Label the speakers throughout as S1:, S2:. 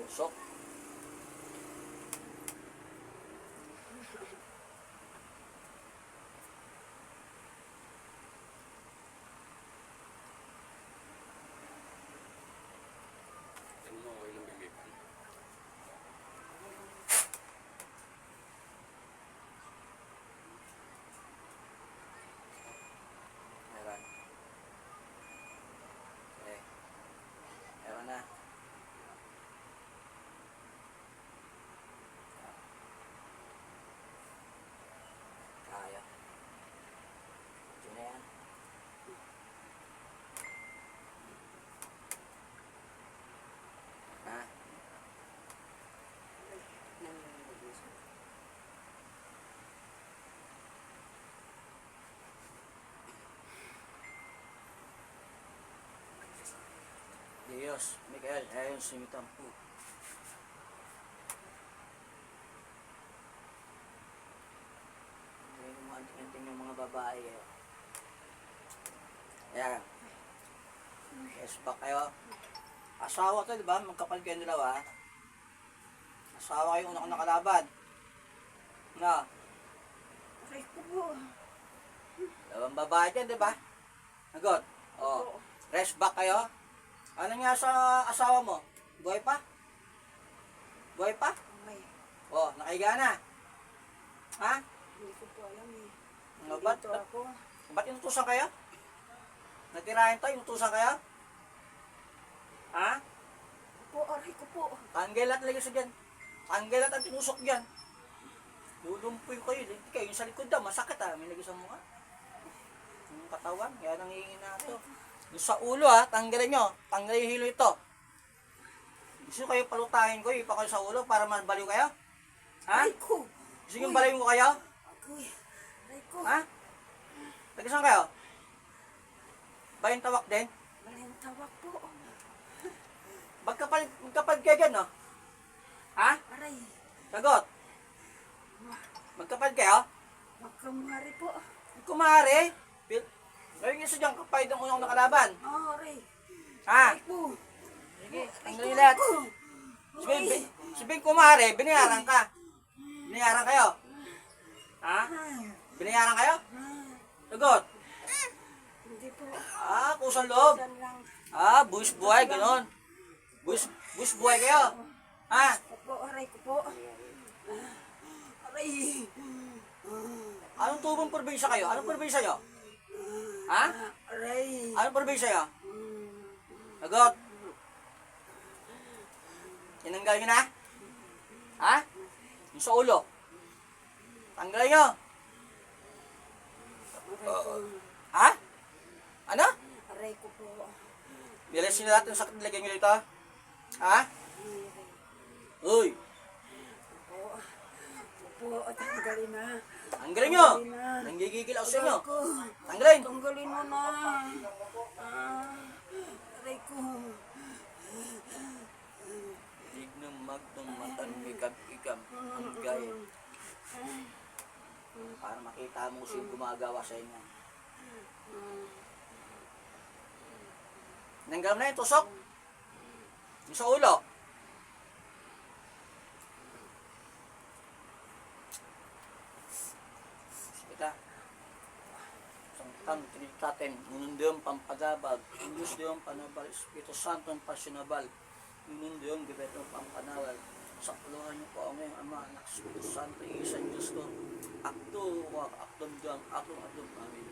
S1: Tusok. Tingnan mo, okay lang bimipan. Meron. Okay. Meron na. Kaya. Yun na yan. Ha? Diyos, Miguel, ayon sumitampu. Hindi mo maanting-anting yung mga babae eh. Ayan. Yes, back kayo. Asawa to, di ba? Magkapal kayo dalawa. Asawa kayo unang nakalaban. Na,
S2: Aray ko po.
S1: dalawang babae dyan, di ba? Nagot. Oh. Rest back kayo. Ano nga sa asawa mo? Buhay pa? Buhay pa?
S2: Ay,
S1: Oh, nakahiga na. Ha?
S2: hindi ko po alam eh.
S1: Ano, ba't
S2: Dito ako.
S1: inutusan kayo? Natirahin to, inutusan kayo? Ha?
S2: Po, aray ko po.
S1: Tanggal at lagay sa dyan. Tanggal at tinusok dyan. Lulumpoy kayo. Hindi kayo yung sa likod daw. Masakit ha. May lagay sa mukha. Yung katawan. Yan ang hihingin na ito. Yung sa ulo ha. Tanggalin nyo. Tanggalin yung hilo ito. Gusto kayo palutahin ko. Ipa kayo sa ulo para mabaliw kayo? Ha?
S2: Aray ko.
S1: Gusto nyo baliw ko kayo?
S2: Agoy. Aray ko.
S1: Ha? Tagisan kayo? Bayang tawak din?
S2: Malayang tawag po.
S1: Magkapal kayo dyan no? Ha?
S2: Aray.
S1: Sagot. Magkapal kayo?
S2: Magkamari po.
S1: Kumare. Ngayon yung isa dyan, kapay ng unang nakalaban.
S2: Oh, aray.
S1: Ha?
S2: Aray ko.
S1: Sige, tanggalin lahat. Sabihin kumare, binayaran ka. Binayaran kayo. Ha? Binayaran kayo? Sagot.
S2: Hindi po.
S1: Ah, kusang loob.
S2: Saan lang.
S1: Ah, buwis buhay, gano'n. Buwis buhay kayo. Ha?
S2: Opo, aray ko po. Aray.
S1: Anong tubong probinsya kayo? Anong probinsya nyo? Ha?
S2: Aray.
S1: Anong probinsya nyo? Sagot. Tinanggal nyo na? Ha? Yung sa ulo. Tanggalin nyo. Ha? Ano?
S2: Aray ko po.
S1: Bilasin nyo lahat yung sakit nilagay nyo dito. Ha? Uy.
S2: Opo, tanggalin na.
S1: Tanggalin nyo.
S2: Tanggalin na.
S1: Nanggigigil ako sa inyo.
S2: Aray ko.
S1: Tanggalin.
S2: Tanggalin mo na. Aray ko.
S1: Dignang magdong matan mikab-ikab ang gaya. Para makita mo sino gumagawa sa inyo. Nanggal na yung tusok. Yung sa ulo. Kita. Sangtan, tinitatin. Ngunundiyong pampagabag. Ngunundiyong panabal. Espiritu Santo ang pasyonabal. Ngunundiyong gabetong pampanawal. Sa puluhan niyo po ang ngayong Ama, Anak, Espiritu Santo, isang Diyos ko. Akto, wak, akdom diyang, akong amin.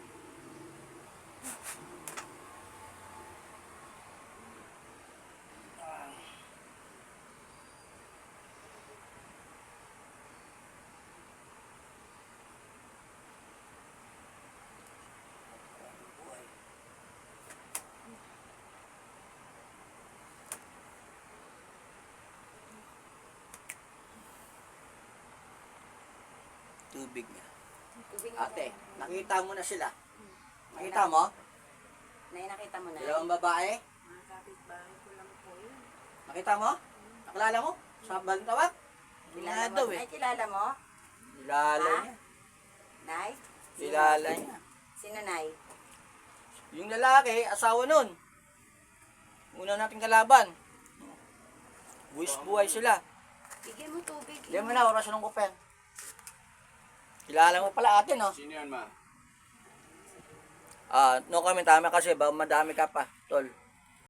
S1: Tubig niya.
S2: Tubig na
S1: Ate,
S2: po.
S1: nakita mo na sila. Nakita mo?
S2: Nakita mo na.
S1: Dalawang babae.
S2: Mga kapitbahay ko lang po yun.
S1: Nakita mo? Nakilala mo? Sa Bantawat?
S2: Kilala
S1: daw
S2: mo?
S1: eh.
S2: Ay, kilala mo?
S1: Kilala
S2: Ha?
S1: niya.
S2: Nay?
S1: Kilala niya.
S2: Sino, Nay?
S1: Yung lalaki, asawa nun. Una nating kalaban. Buwis buhay sila.
S2: Bigyan mo tubig.
S1: Hindi mo na, orasyon ng kupen. Kilala mo pala ate, no?
S3: Sino yan, ma?
S1: No comment, tama kasi, ba madami ka pa, tol.